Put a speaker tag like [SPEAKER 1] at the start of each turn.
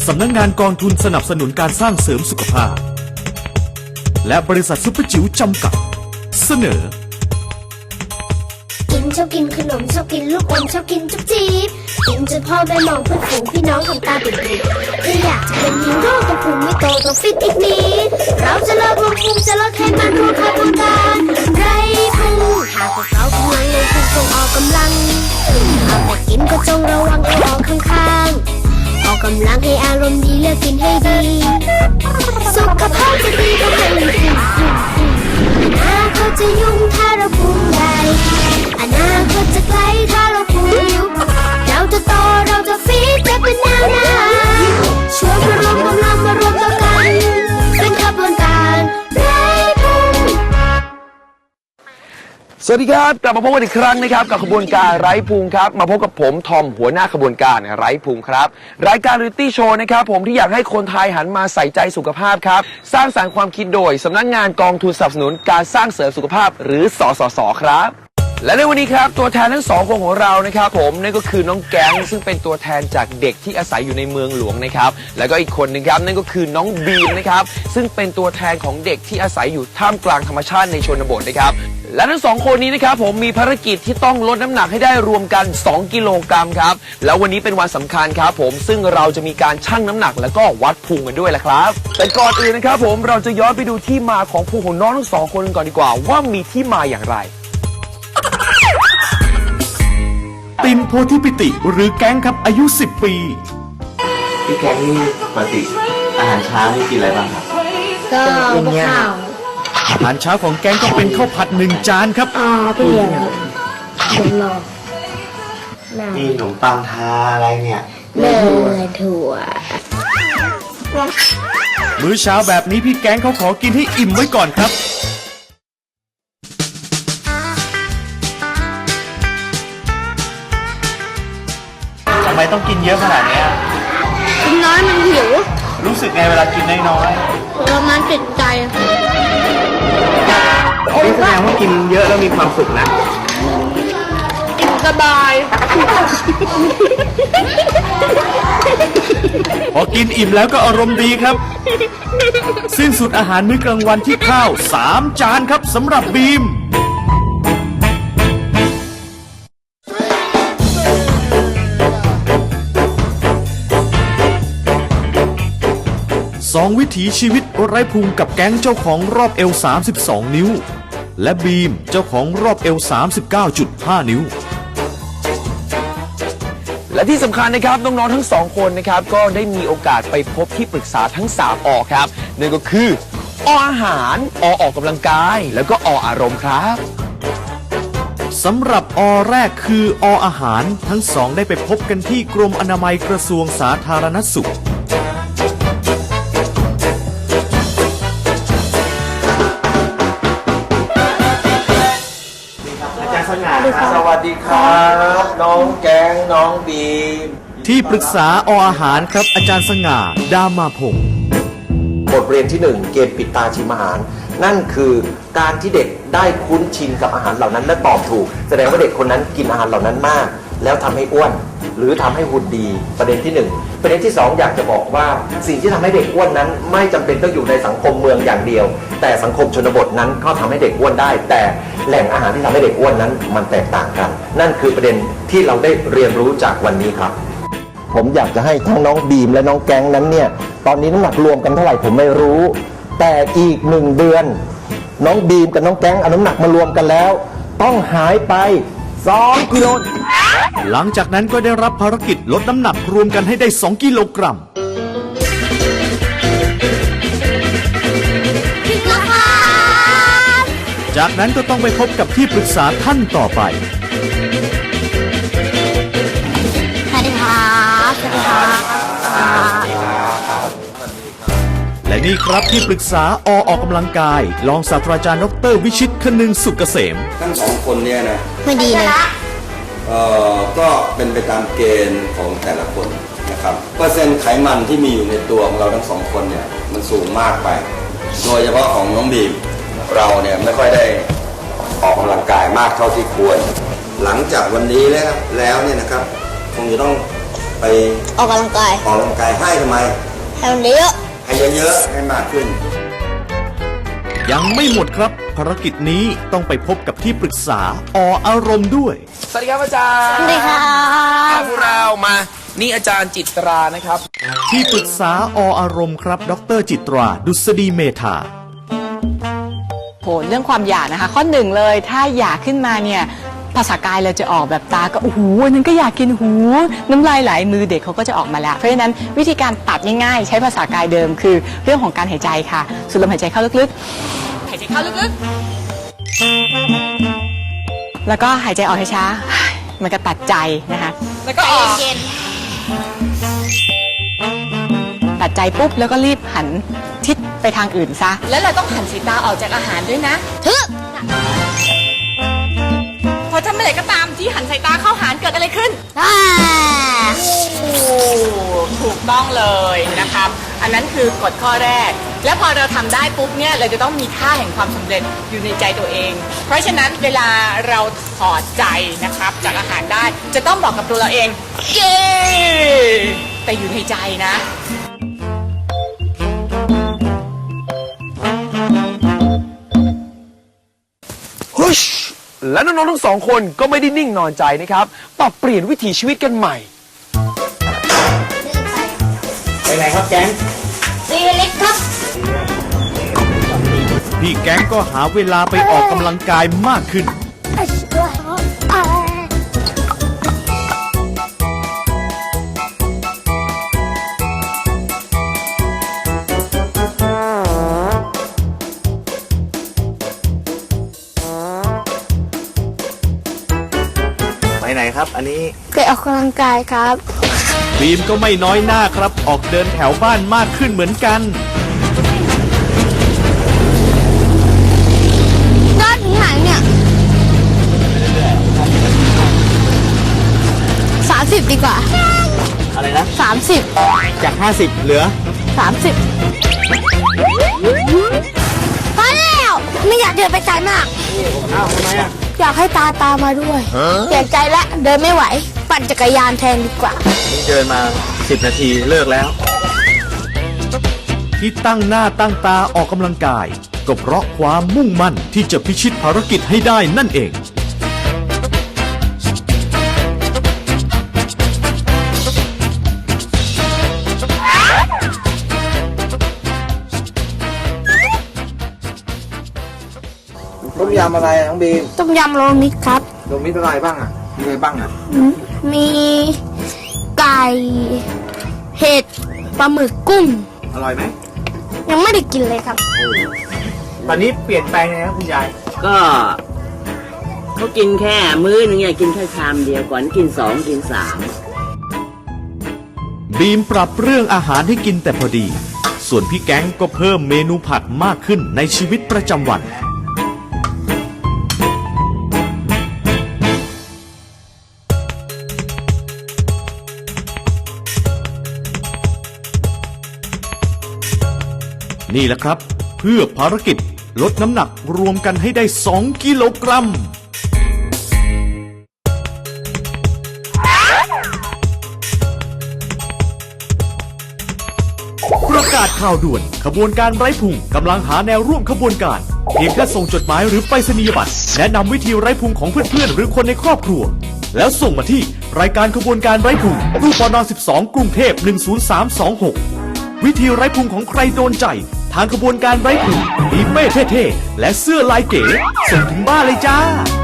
[SPEAKER 1] สำนักงานกองทุนสนับสนุนการสร้างเสริมสุขภาพและบริษัทซุปเปอร์จิ๋วจำกัดเสนอ
[SPEAKER 2] กินชอบกินขนมชอบกินลูกอมชอบกินจุ๊บจี๊บกินจนพ่อแม่มองเพื่อนฝูงพี่น้องทำตาปิดๆถ้าอยากจะเป็นฮีโร่ต้องพุงไม่โตต้องฟิตอีกนิดเราจะลดลงพุงจะลดไขมันรวมค่าต้องการไรพุงหากพวกเรากำลังลงพุงต้องออกกำลังเอาแต่กินก็จงระวังเอาออกข้างๆออกกำลังให้อารมณ์ดีเลือกกินให้ดีสุขภาพจะดีก็ให้อนาคตจะยุ่งถ้าเราพุงใหญ่อนาคตจะไกลถ้าเราพุงยุบเราจะโตเราจะฟีดจะเป็นแนวหน้าชวนมารวมกำลังมารวมตัวกันเป็นขบวนการไร้พุง
[SPEAKER 3] สวัสดีครับกลับมาพบกันอีกครั้งนะครับกับขบวนการไร้พุงครับมาพบกับผมทอมหัวหน้าขบวนการไร้พุงครับรายการเรียลลิตี้โชว์นะครับผมที่อยากให้คนไทยหันมาใส่ใจสุขภาพครับสร้างสรรค์ความคิดโดยสำนักงานกองทุนสนับสนุนการสร้างเสริมสุขภาพหรือสสสครับและในวันนี้ครับตัวแทนทั้งสองคนของเรานะครับผมนั่นก็คือน้องแก๊งซึ่งเป็นตัวแทนจากเด็กที่อาศัยอยู่ในเมืองหลวงนะครับแล้วก็อีกคนนึงครับนั่นก็คือน้องบีมนะครับซึ่งเป็นตัวแทนของเด็กที่อาศัยอยู่ท่ามกลางธรรมชาติในชนบทนะครับและทั้งสองคนนี้นะครับผมมีภารกิจที่ต้องลดน้ำหนักให้ได้รวมกัน2 กิโลกรัมครับแล้ววันนี้เป็นวันสำคัญครับผมซึ่งเราจะมีการชั่งน้ำหนักแล้วก็วัดพุงกันด้วยแหละครับแต่ก่อนอื่นนะครับผมเราจะย้อนไปดูที่มาของพุงของน้องทั้งสองคนก่อนดีกว่าว่ามีที่มาอย่างไร
[SPEAKER 1] ตินโพธิปิติหรือแก๊งครับอายุ10 ปี
[SPEAKER 4] พี่แก๊งนี่ปกติอาหารเช้านี่กินอะไรบ้างครับ
[SPEAKER 2] ก็ข้าว
[SPEAKER 1] อาหารเช้าของแก๊งก็เป็นข้าวผัด1 จานครับ
[SPEAKER 2] เปลี่ยนผมรอ
[SPEAKER 4] นี่ขนมปังทาอะไรเนี่ย
[SPEAKER 2] เนยถั่ว
[SPEAKER 1] มื้อเช้าแบบนี้พี่แก๊งเขาขอกินให้อิ่มไว้ก่อนครับ
[SPEAKER 4] ทำไมต้องกินเยอะขนาดนี้
[SPEAKER 2] กินน้อยมันหิว
[SPEAKER 4] รู้สึกไงเวลากินน้อย
[SPEAKER 2] เรามันติดใจ
[SPEAKER 4] นี่แสดงว่ากินเยอะแล้วมีความสุขนะ
[SPEAKER 2] สบาย
[SPEAKER 1] พอกินอิ่มแล้วก็อารมณ์ดีครับสิ้นสุดอาหารมื้อกลางวันที่ข้าว3 จานครับสำหรับบีม2 วิถีชีวิตไร้พุงกับแก๊งเจ้าของรอบเอว32 นิ้วและบีมเจ้าของรอบเอว39.5 นิ้ว
[SPEAKER 3] และที่สำคัญนะครับน้องๆทั้ง2 คนนะครับก็ได้มีโอกาสไปพบที่ปรึกษาทั้ง3 อครับนั่นก็คือออาหารออกกำลังกายแล้วก็อารมณ์ครับ
[SPEAKER 1] สำหรับแรกคืออาหารทั้ง2ได้ไปพบกันที่กรมอนามัยกระทรวงสาธารณสุข
[SPEAKER 4] สวัสดีครับน้องแก๊งน้องบีม
[SPEAKER 1] ที่ปรึกษาอาหารครับอาจารย์สง่าดามาพงศ์
[SPEAKER 5] บทเรียนที่1เกมปิดตาชิมอาหารนั่นคือการที่เด็กได้คุ้นชินกับอาหารเหล่านั้นและตอบถูกแสดงว่าเด็กคนนั้นกินอาหารเหล่านั้นมากแล้วทำให้อ้วนหรือทำให้หุ่นดีประเด็นที่1ประเด็นที่2อยากจะบอกว่าสิ่งที่ทำให้เด็กอ้วนนั้นไม่จำเป็นต้องอยู่ในสังคมเมืองอย่างเดียวแต่สังคมชนบทนั้นก็ทำให้เด็กอ้วนได้แต่แหล่งอาหารที่ทำให้เด็กอ้วนนั้นมันแตกต่างกันนั่นคือประเด็นที่เราได้เรียนรู้จากวันนี้ครับผมอยากจะให้ทั้งน้องบีมและน้องแก๊งนั้นเนี่ยตอนนี้น้ำหนักรวมกันเท่าไหร่ผมไม่รู้แต่อีก1 เดือนน้องบีมกับน้องแก๊งเอาน้ำหนักมารวมกันแล้วต้องหายไป2 กิโล
[SPEAKER 1] หลังจากนั้นก็ได้รับภารกิจลดน้ำหนักรวมกันให้ได้2 กิโลกรัมจากนั้นก็ต้องไปพบกับที่ปรึกษาท่านต่อไป
[SPEAKER 2] สวัสดีครับสวัสดีครับ
[SPEAKER 1] และนี่ครับที่ปรึกษาออกกำลังกายรองศาสตราจารย์ดร.วิชิตคนึงสุกเกษม
[SPEAKER 6] ทั้ง2 คนเนี่ยนะ
[SPEAKER 2] ไม่ดีเลย
[SPEAKER 6] ก็เป็นไปตามเกณฑ์ของแต่ละคนนะครับเปอร์เซ็นต์ไขมันที่มีอยู่ในตัวของเราทั้ง2 คนเนี่ยมันสูงมากไปโดยเฉพาะของน้องบีมเราเนี่ยไม่ค่อยได้ออกกำลังกายมากเท่าที่ควรหลังจากวันนี้แล้วเนี่ยนะครับคงจะต้องไป
[SPEAKER 2] ออกกำลังกาย
[SPEAKER 6] ออกกำลังกายให้ทำไม
[SPEAKER 2] ให้มันเยอะ
[SPEAKER 6] ให้เยอะๆให้มากขึ้น
[SPEAKER 1] ยังไม่หมดครับ ภารกิจนี้ต้องไปพบกับที่ปรึกษาอารมณ์ด้วย
[SPEAKER 3] สวัสดีครับอาจารย์
[SPEAKER 2] สวัสดีครับ
[SPEAKER 3] พวกเรามานี่อาจารย์จิตรานะครับ
[SPEAKER 1] ที่ปรึกษาอารมณ์ครับ ดรจิตรา ดุษฎีเมธา
[SPEAKER 7] โหเรื่องความอยากนะคะ ข้อหนึ่งเลยถ้าอยากขึ้นมาเนี่ยภาษากายเราจะออกแบบตาก็โอ้โหอันนั้นก็อยากกินหูน้ำลายไหลมือเด็กเขาก็จะออกมาแล้ว เพราะฉะนั้นวิธีการตัดง่ายๆ ใช้ภาษากายเดิมคือเรื่องของการหายใจค่ะสูดลมหายใจเข้าลึกๆหายใจเข้าลึกๆแล้วก็หายใจออกช้าๆมันก็ตัดใจนะคะแล้วก็ออกตัดใจปุ๊บแล้วก็รีบหันทิศไปทางอื่นซะแล้วเราต้องหันสายตาออกจากอาหารด้วยนะ พอถ้าเมื่อไหร่ก็ตามที่หันสายตาเข้าหารเกิดอะไรขึ้นถูกต้องเลยนะครับ อันนั้นคือกฎข้อแรก แล้วพอเราทำได้ปุ๊บเนี่ยเราจะต้องมีค่าแห่งความสำเร็จอยู่ในใจตัวเอง เพราะฉะนั้นเวลาเราถอดใจนะครับจากอาหารได้จะต้องบอกกับตัวเราเองเย้แต่อยู่ในใจนะ
[SPEAKER 3] ฮึชและน้องๆทั้งสองคนก็ไม่ได้นิ่งนอนใจนะครับปรับเปลี่ยนวิถีชีวิตกันใหม่
[SPEAKER 4] ไปไหนครับแก๊ง
[SPEAKER 2] ตีเล็กครับ
[SPEAKER 1] พี่แก๊งก็หาเวลาไปออกกำลังกายมากขึ้น
[SPEAKER 4] ไปไหนครับ อันนี้
[SPEAKER 2] ไปออกกำลังกายครับ
[SPEAKER 1] บีมก็ไม่น้อยหน้าครับ ออกเดินแถวบ้านมากขึ้นเหมือนกัน
[SPEAKER 2] ยอดถึงไหนเนี่ย30ดีกว่า
[SPEAKER 4] อะไรนะ
[SPEAKER 2] 30
[SPEAKER 4] จาก 50 เหลือ
[SPEAKER 2] 30พอแล้วไม่อยากเดินไปไกลมาก
[SPEAKER 4] อ้าวทำไมอ่ะ
[SPEAKER 2] อยากให้ตาตามมาด้วยเปลี่ยนใจแล้วเดินไม่ไหว ปั่นจักรยานแทนดีกว่า
[SPEAKER 4] นี่เดินมา 10 นาทีเลิกแล้ว
[SPEAKER 1] ที่ตั้งหน้าตั้งตาออกกำลังกาย ก็เพราะความมุ่งมั่นที่จะพิชิตภารกิจให้ได้นั่นเอง
[SPEAKER 4] ต้มยำอะไรอ่ะน้องบีม
[SPEAKER 2] ต้มยำโรมิตครับ
[SPEAKER 4] ลงมิตรอะไรบ้างอ่ะ มีอะไรบ้างอ่ะ
[SPEAKER 2] มีไก่ เห็ด ปลาหมึกกุ้ง
[SPEAKER 4] อร่อยไหม
[SPEAKER 2] ยังไม่ได้กินเลยครับ
[SPEAKER 4] ตอนนี้เปลี่ยนแปลงไงครับคุณยาย
[SPEAKER 8] ก็เขากินแค่มื้อนึงเนี่ยกินแค่ชามเดียวก่อนกิน2กิน3
[SPEAKER 1] บีมปรับเรื่องอาหารให้กินแต่พอดี ส่วนพี่แก๊งก็เพิ่มเมนูผัดมากขึ้นในชีวิตประจำวัน นี่แหละครับ เพื่อภารกิจลดน้ำหนักรวมกันให้ได้ 2 กิโลกรัม ประกาศข่าวด่วนขบวนการไร้พุงกำลังหาแนวร่วมขบวนการเพียงแค่ส่งจดหมายหรือไปรษณียบัตรแนะนำวิธีไร้พุงของเพื่อนๆหรือคนในครอบครัว แล้วส่งมาที่รายการขบวนการไร้พุงตู้ปน12 กรุงเทพ10326 วิธีไร้พุงของใครโดนใจ ทางขบวนการไร้พุงมีเป้เท่ๆและเสื้อลายเก๋ส่งถึงบ้านเลยจ้า